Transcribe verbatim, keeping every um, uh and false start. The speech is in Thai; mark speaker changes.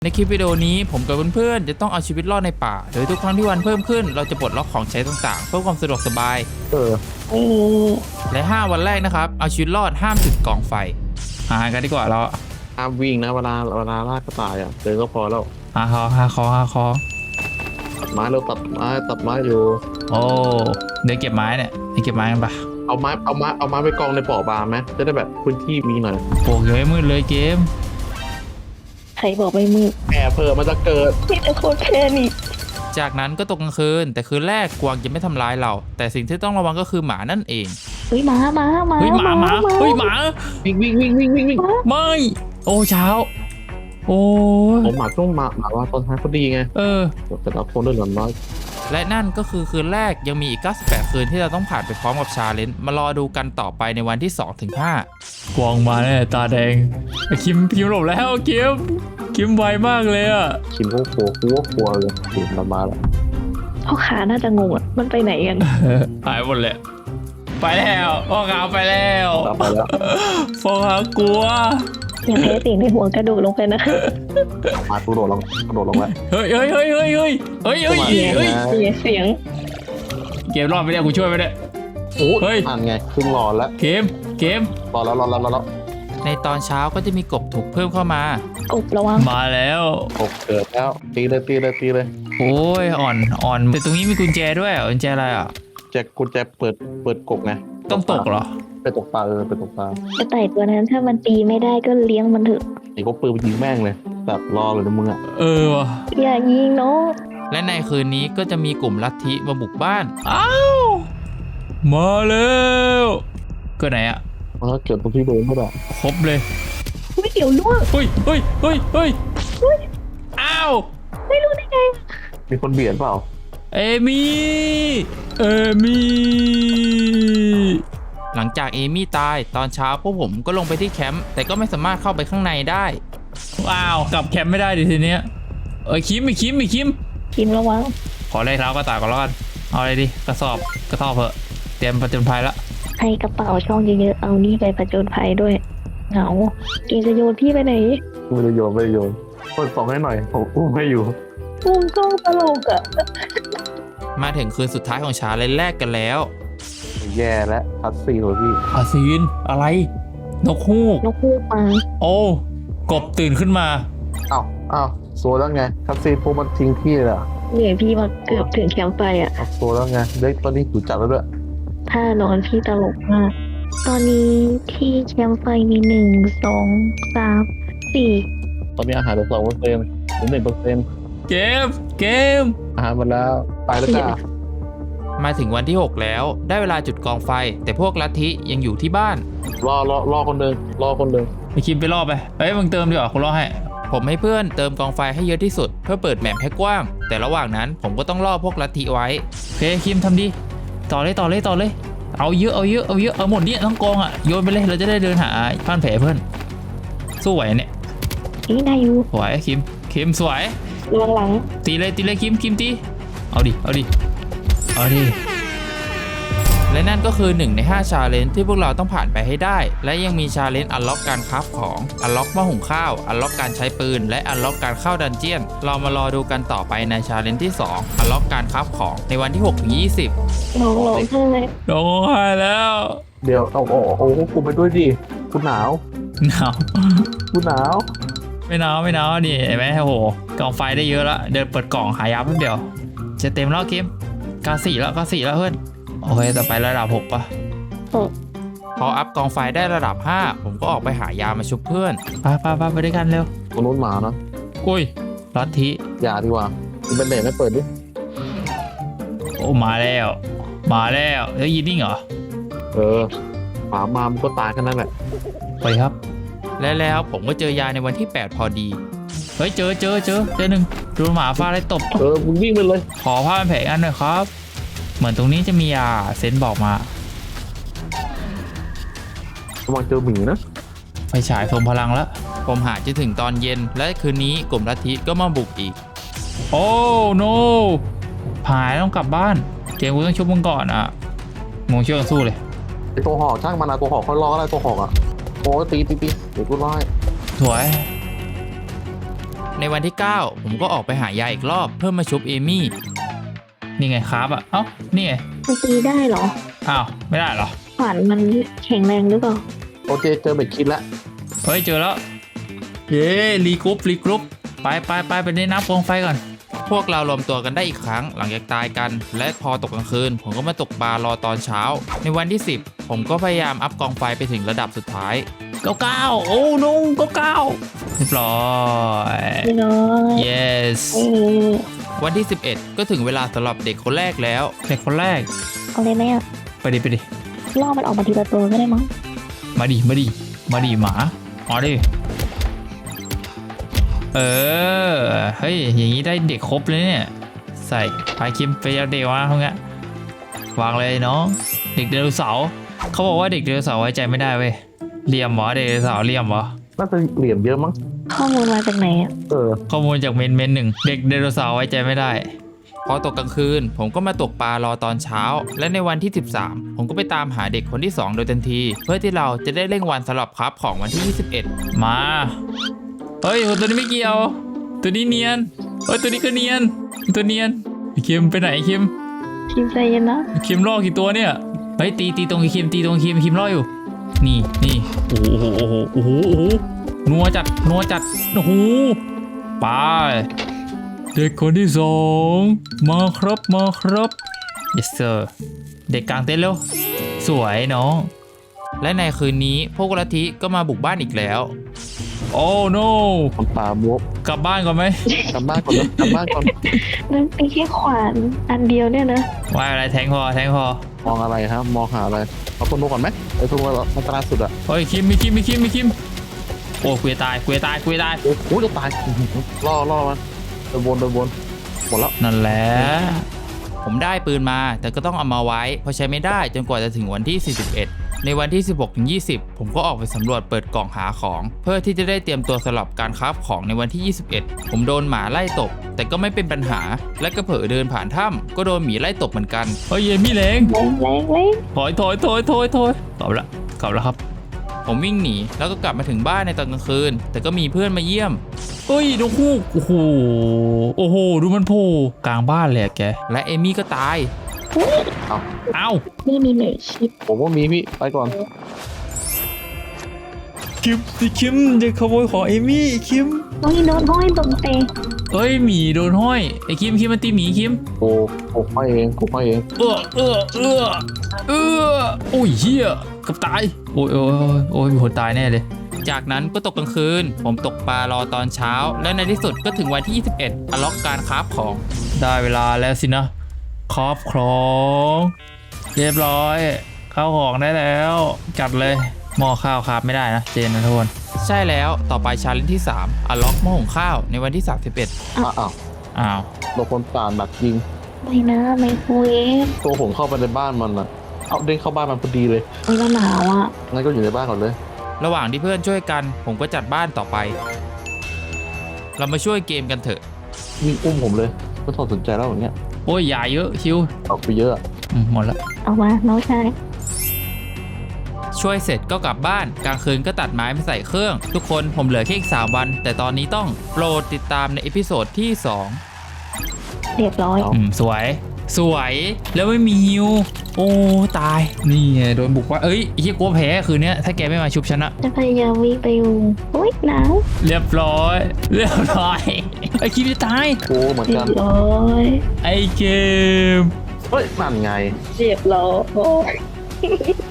Speaker 1: ในคลิปวิดีโอนี้ผมกับเพื่อนๆจะต้องเอาชีวิตรอดในป่าโดยทุกครั้งที่วันเพิ่มขึ้นเราจะปลดล็อกของใช้ต่างๆเพื่อความสะดวกสบาย
Speaker 2: เออ
Speaker 1: และห้าวันแรกนะครับเอาชีวิตรอดห้ามจุดกองไฟหากันดีกว่าเรา
Speaker 2: ห้ามวิ่งนะเวลาเวลาล่ากระต่ายอ่ะเดินก็พอแล้ว
Speaker 1: หาคอหาคอหาคอ
Speaker 2: ตัดไม้เราตัดไม้ตัดไม้อยู่
Speaker 1: โอ้เดี๋ยวเก็บไม้เนี่ยเดี๋ยวเก็บไม้กันปะ
Speaker 2: เอาไม้เอาไม้เอาไม้ไปกองในปอบาร์ไหมจะได้แบบพื้นที่มีหน่อย
Speaker 1: โอ้ยยังไม่มืดเลยเกม
Speaker 3: ใครบอกไม่มืด
Speaker 2: แอบเพิ่มมันจะเกิด
Speaker 3: พี่แต่โคตรแค่นี้
Speaker 1: จากนั้นก็ตกกลางคืนแต่คืนแรกกวางจะไม่ทำร้ายเรา แต่สิ่งที่ต้องระวังก็คือหมานั่นเอง
Speaker 3: เฮ้ยหมาหมาหมา
Speaker 1: เฮ้ยหมาหมาเฮ้ยหมา
Speaker 2: วิ่งวิ่งวิ่งวิ่งวิ่งวิ่ง
Speaker 1: ไม่โอ้เช้าโอ้ย
Speaker 2: ผมหมาช่วงหมาหมาว่าตอนท้ายเขาดีไง
Speaker 1: เออ
Speaker 2: แต่เราคนด้วยหลอนน้อย
Speaker 1: และนั่นก็คือคืนแรกยังมีอีกเก้าสิบแปดคืนที่เราต้องผ่านไปพร้อมกับชาเลนจ์มารอดูกันต่อไปในวันที่สองถึงห้ากวางมาแน่ตาแดงคิมคิมหลบแล้วคิมคิมไวมากเลยอะ
Speaker 2: ชิมก็กลัวกลัวกลัวเลยถึงเรามาแล้ว
Speaker 3: พ่อขาน่าจะงงอ่ะมันไปไหนกัน
Speaker 1: หายหมดเลยไปแล้วพ่อขาวไปแล้ว
Speaker 2: เราไปแล้ว
Speaker 1: พ่อขาวกลัว
Speaker 3: อย่าแพ้สิ่งในหัวกระโดดลงไปนะ
Speaker 2: มาตูโดดลงกระโดดลงแล้ว
Speaker 1: เฮ้ยเฮ้ยเฮ้ยเฮ้ยเฮ้ยเฮ้ยเฮ้ยเฮ้ย
Speaker 3: เสียงเสียง
Speaker 1: เกมรอดไปเนี่ยกูช่วยไปเนี่ย
Speaker 2: โอ้
Speaker 1: เฮ้ย
Speaker 2: ทันไงครึ่งรอแล้ว
Speaker 1: เกมเกม
Speaker 2: รอแล้วรอแล้วรอแล้ว
Speaker 1: ในตอนเช้าก็จะมีกบถูกเพิ่มเข้ามาก
Speaker 3: บระวัง
Speaker 1: มาแล้ว
Speaker 2: กบเกิดแล้วตีเลยตีเลยตีเลย
Speaker 1: โอ้ยอ่อนอ่อนแต่ตรงนี้มีกุญแจด้วยเหรอกุญแจอะไรอ่ะ
Speaker 2: แจกกุญแจเปิดเปิดกบไง
Speaker 1: ต้องตกเหรอ
Speaker 2: ไปตกปลาเออไปตกปลาก
Speaker 3: ระต่ายตัวนั้นถ้ามันตีไม่ได้ก็เลี้ยงมันเถอะ
Speaker 2: ไอ้ก็ปืนไปยิงแม่งเลยแบบรอเลยนะมึงอ่ะ
Speaker 1: เออว่ะ
Speaker 3: อย่ายิงน้อง
Speaker 1: และในคืนนี้ก็จะมีกลุ่มลัทธิมาบุกบ้าน อ้าว มาแล้วก็ไหนอะ
Speaker 2: มันก็เกิดตรงที่เดิมก็ได้
Speaker 1: ครบเลย
Speaker 3: ไม่เดี๋ยวล่วง
Speaker 1: เฮ้ยเฮ้ยเฮ้ยเฮ้ยอ้าว
Speaker 3: ไม่รู้ได้ไง
Speaker 2: มีคนเบียดเปล่า
Speaker 1: เอมี่เอมี่หลังจากเอมี่ตายตอนเช้าพวกผมก็ลงไปที่แคมป์แต่ก็ไม่สามารถเข้าไปข้างในได้ว้าวกลับแคมป์ไม่ได้ดิทีเนี้ยเอ้ยคิมไม่คิมไม่คิม
Speaker 3: กินระวัง
Speaker 1: ขอเลยเท้ากระต่ายก่อนแล้วกันเอาอะไรดีกระสอบกระสอบเพอะเตรียมผจญภัยละ
Speaker 3: ให้กระเป๋าช่องเยอะๆเอานี่ไปผจญภัยด้วยเหงาเกมจะโยนพี่ไปไหน
Speaker 2: ไม่ได้โยนไม่ได้โยนเปิดสองให้หน่อยผมอุ้มให้อยู่
Speaker 3: มุมกล้องตลกอ่ะ
Speaker 1: มาถึงคืนสุดท้ายของชาเลนจ์แรกกันแล้ว
Speaker 2: แย่แล้วพัดซีเลยพี่
Speaker 1: อาซีนอะไร นกฮูก
Speaker 3: นกฮูกมา
Speaker 1: โอ้กบตื่นขึ้นมา
Speaker 2: อ้าวอ้าวโซแล้วไงพัดซีพวกมันทิ้งพี่เลยอ่ะ
Speaker 3: เหนื่อยพี่มาเกือบถึงแคมป์ไฟอ่ะ
Speaker 2: เอาโซแล้วไงเด็กตอนนี้ถูกจับแล้วด้วย
Speaker 3: ถ้านอนพี่ตลกมาก ตอนนี้ที่แคมป์ไฟมีหนึ่งสองสามสี่
Speaker 2: ตอนนี้อาหารเหลือสองเปอร์เซ็นต์หรือหนึ่งเปอร์เซ็นต์
Speaker 1: เกมเกม
Speaker 2: อาหารหมดแล้วไปแล้วจ้า
Speaker 1: มาถึงวันที่หกแล้วได้เวลาจุดกองไฟ แต่พวกลัทธิยังอยู่ที่บ้าน
Speaker 2: รอรอรอคนเดินรอคนเดิน
Speaker 1: ไปคิมไปรอบไปเฮ้ยมึงเติมดีกว่าคุณรอให้ ผมให้เพื่อนเติมกองไฟให้เยอะที่สุด เพื่อเปิดแมปให้กว้าง แต่ระหว่างนั้นผมก็ต้องล่อพวกลัทธิไว้โอเคคิมทำดีต่อเลยต่อเลยต่อเลย เอาเยอะเอาเยอะเอาเยอะเอาหมดเนี่ยทั้งกองอ่ะโยนไปเลยเราจะได้เดินหาผ่านแผลเพื่อนสู้ไหวเนี่ย
Speaker 3: นี่ได้อยู่
Speaker 1: สวยคิมคิมสวย
Speaker 3: ระวังหลัง
Speaker 1: ตีเลยตีเลยคิมคิมตีเอาดิเอาดิเอาดิและนั่นก็คือหนึ่งในห้าชาเลนจ์ที่พวกเราต้องผ่านไปให้ได้ และยังมีชาเลนจ์อันล็อกการคราฟของอันล็อกหม้อหุงข้าวอันล็อกการใช้ปืนและอันล็อกการเข้าดันเจียนเรามารอดูกันต่อไปในชาเลนจ์ที่สองอันล็อกการคราฟของในวันที่หกถึงยี่สิบ
Speaker 3: น้องร้องไห้
Speaker 1: ร้องไห้แล้ว
Speaker 2: เดี๋ยวเอาเอาเอาเอากูไปด้วยดิกูหนาว
Speaker 1: หนาว
Speaker 2: กูหนาว
Speaker 1: ไม่หนาวไม่หนาวนี่เห็นไหมโอ้โหกองไฟได้เยอะแล้วเดินเปิดกล่องหายาแป๊บเดียวจะเต็มแล้วคิมกาสี่แล้วกาสี่แล้วเพื่อนโอเคต่อไประดับหกปะ พออัพกองไฟได้ระดับห้าผมก็ออกไปหายามาชุบเพื่อนไปไปไปไปด้วยกันเร็ว
Speaker 2: ตรงนู้นหมานะ
Speaker 1: อุ้ยลัทธิ
Speaker 2: อย่าดีกว่าคุณเป็นเด็กไม่เปิดดิ
Speaker 1: โอ้มาแล้ว มาแล้วแล้วยินนิ่งเหรอ
Speaker 2: เออหมามามันก็ตายแค่นั้นแหละ
Speaker 1: ไปครับ และแล้วผมก็เจอยาในวันที่แปดพอดีเฮ้ยเจอเจอเจอเจอหนึ่งโดนหมาฟาดได้ตบ
Speaker 2: เออมึงวิ่งไปเลย
Speaker 1: ขอผ้าพันแผลอันหน่อยครับ เหมือนตรงนี้จะมียาเซนบอกมา
Speaker 2: ระวังเจอหมีนะ
Speaker 1: ไฟฉายทรงพลังแล้ว ผมหาจนถึงตอนเย็นและคืนนี้กลุ่มลัทธิก็มาบุกอีก โอ้โนหายต้องกลับบ้าน เกมกูต้องชุบมึงก่อนอ่ะมึงช่วยกันสู้เลย
Speaker 2: ไอตัวหอกช่างมันนะตัวหอกค่อยรออะไรตัวหอกอ่ะโอ้ตีตีตีเดี๋ยวกูรอให้
Speaker 1: สวยในวันที่ เก้า ผมก็ออกไปหายาอีกรอบเพื่อมาชุบเอมี่นี่ไงครับอ่ะเอ้านี่ไง
Speaker 3: มันตีได้เหรอ
Speaker 1: อ้าวไม่ได้เหรอ
Speaker 3: ขวานมันแข็งแรงหรือเปล่า
Speaker 2: โอเคเจอเบ็ดคิดแล้ว
Speaker 1: เฮ้ยเจอแล้วเย้รีกรุ๊ปรีกรุ๊ปไปไปไปไปเล่นน้ำกองไฟก่อนพวกเรารวมตัวกันได้อีกครั้งหลังจากตายกัน และพอตกกลางคืน ผมก็มาตกปลารอตอนเช้า ในวันที่ สิบ ผมก็พยายามอัพกองไฟไปถึงระดับสุดท้ายเก้าเก้าโอ้นุ่งเก้าเก้าเรียบร้อย
Speaker 3: ไม่น้อย
Speaker 1: yes
Speaker 3: เออ
Speaker 1: วันที่ สิบเอ็ด ก็ถึงเวลาสำหรับเด็กคนแรกแล้วเด็กคนแรก
Speaker 3: เอาเลยไหมอ่ะ
Speaker 1: ไปดิไปดิ
Speaker 3: ล่อมันออกมาทีละตัวก็ได้มั้ง
Speaker 1: มาดิมาดิมาดิหมาอ๋อดิเออเฮ้ยอย่างนี้ได้เด็กครบเลยเนี่ยใส่ไปคิมไปเอาเด็กมาพวกเนี้ยวางเลยน้องเด็กไดโนเสาร์เขาบอกว่าเด็กไดโนเสาร์ไว้ใจไม่ได้เว้ยเหลี่ยมเหรอเด็กไดโนเสาร์เหลี่ยมเหรอ
Speaker 2: น่าจะเหลี่ยมเยอะมั้ง
Speaker 3: ข้อมูลมาจากไหนอ่ะ
Speaker 2: เออ
Speaker 1: ข้อมูลจากเมนเมนหนึ่งเด็กไดโนเสาร์ไว้ใจไม่ได้พอตกกลางคืนผมก็มาตกปลารอตอนเช้า และในวันที่ สิบสาม ผมก็ไปตามหาเด็กคนที่ สอง โดยทันที เพื่อที่เราจะได้เร่งวันสำหรับครับของวันที่ ยี่สิบเอ็ด มาเฮ้ยตัวนี้ไม่เกี่ยว ตัวนี้เนียนเฮ้ยตัวนี้ก็เนียนตัวเนียนไอ้คิมไปไหนไอ้คิม
Speaker 3: ชิมใจเย็นนะ
Speaker 1: ไอ้คิมล่อกี่ตัวเนี่ยเฮ้ยตีตีตรงไอ้คิมตีตรงไอ้คิมคิมล่ออยู่นี่นี่โอ้โหโอ้โหโอ้โหโอ้โหนัวจัดนัวจัดโอ้โหไปเด็กคนที่สองมาครับมาครับ yes sir เด็กกลางเต็นท์เร็วสวยน้องและในคืนนี้พวกลัทธิก็มาบุกบ้านอีกแล้วโอ้ no
Speaker 2: คนตาบวบ
Speaker 1: กลับบ้านก่อนไหม
Speaker 2: กลับบ้านก่อนนะกลับบ้านก่อน
Speaker 3: นั่นเป็นแค่ขวานอันเดียวเนี่ยนะ
Speaker 1: ว่าอะไรแทงพอแทงพอ
Speaker 2: มองอะไรครับมองหาอะไรเอาคนโนก่อนไหมไอ้ตัวอันตรายสุดอะ
Speaker 1: เฮ้ยคิมมีคิมมีคิมมีคิมโอ้คุยตายคุยตายคุยตาย
Speaker 2: โอ้โหจะตายล่อล่อมันเดินวนเดินวนหมดแล้ว
Speaker 1: นั่นแหละผมได้ปืนมาแต่ก็ต้องเอามาไว้เพราะใช้ไม่ได้จนกว่าจะถึงวันที่ สี่สิบเอ็ด ในวันที่ สิบหกถึงยี่สิบ ผมก็ออกไปสำรวจเปิดกล่องหาของ เพื่อที่จะได้เตรียมตัวสำหรับการคราฟของในวันที่ ยี่สิบเอ็ด ผมโดนหมาไล่ตบแต่ก็ไม่เป็นปัญหาและก็เผลอเดินผ่านถ้ำก็โดนหมีไล่ตบเหมือนกันเฮ้ยเยมี่แรง
Speaker 3: แรงแรงแรง
Speaker 1: ถอยถอยถอยถอยถอยกลับละกลับแล้วครับผมวิ่งหนีแล้วก็กลับมาถึงบ้านในตอนกลางคืนแต่ก็มีเพื่อนมาเยี่ยมเฮ้ยดูคู่โอ้โหโอ้โหดูมันโผล่กลางบ้านเลยอะแกและเอมี่ก็ตาย
Speaker 3: อุ๊ย
Speaker 1: เอ้า
Speaker 3: นี่มีเมจชิป
Speaker 2: ผมว่ามีพี่ไปก่อน
Speaker 1: คิมสิคิมจะขโมยของเอมี่คิม
Speaker 3: โอ้ยโดนห้อยตรงเตะ
Speaker 1: เอ้ยหมีโดนห้อยไอ้คิมคิมมันตีหมีคิม
Speaker 2: โอ้โหไปเองกูไปเอง
Speaker 1: เออเออเออเออโอ้ยเฮียเกับตายโอ้ยโอ้ยโอ้ยมีคนตายแน่เลยจากนั้นก็ตกกลางคืนผมตกปลารอตอนเช้า และในที่สุดก็ถึงวันที่ ยี่สิบเอ็ดอล็อกการคราฟของได้เวลาแล้วสินะคราฟของเรียบร้อยเข้าของได้แล้วจัดเลยหม้อข้าวคราฟไม่ได้นะเจนนะทุกคนใช่แล้วต่อไปชาเลนจ์ที่สามอล็อกหม้อหุงข้าวในวันที่ สามสิบเอ็ด
Speaker 2: อ้าวอ้าว
Speaker 1: อ้าว
Speaker 2: โดนคนตาหนักยิง
Speaker 3: ไม่นะไมโครเวฟ
Speaker 2: ตัวผมเข้าไปในบ้านมันอะเอาเด้งเข้าบ้านมันพอดีเลย
Speaker 3: โอ้ยแล้วหนาวอ่ะ
Speaker 2: งั้นก็อยู่ในบ้านก่อนเลย
Speaker 1: ระหว่างที่เพื่อนช่วยกันผมก็จัดบ้านต่อไป เรามาช่วยเกมกันเถอะ
Speaker 2: วิ่งอุ้มผมเลยไม่ต้องสนใจแล้วอย่างเงี้ย
Speaker 1: โอ้ยอย่าเยอะคิว
Speaker 2: ออกไปเยอะอะ
Speaker 1: อืมหมดแล้ว
Speaker 3: เอามาน้องชาย
Speaker 1: ช่วยเสร็จก็กลับบ้านกลางคืนก็ตัดไม้มาใส่เครื่อง ทุกคนผมเหลือแค่อีกสามวัน แต่ตอนนี้ต้องโปรดติดตามในเอพิโซดที่สอง
Speaker 3: เรียบร้อย
Speaker 1: อืมสวย สวยแล้วไม่มีฮิวโอ้ตายนี่ไงโดนบุกว่าเอ้ยไอ้เหี้ยกลัวแพ้คืนเนี้ยถ้าแกไม่มาชุบชนะ
Speaker 3: จะพยายามวิ่งไปอยู่โอ้ยหนาว
Speaker 1: เรียบร้อย เรียบร้อยไอ้คิมจะตาย
Speaker 2: โอ้เหมือน
Speaker 3: เรี
Speaker 2: กั
Speaker 3: ย
Speaker 2: น
Speaker 3: บร้อย
Speaker 1: ไอ้เกม
Speaker 2: เฮ้ยนั่นไง
Speaker 3: เรียบร้อย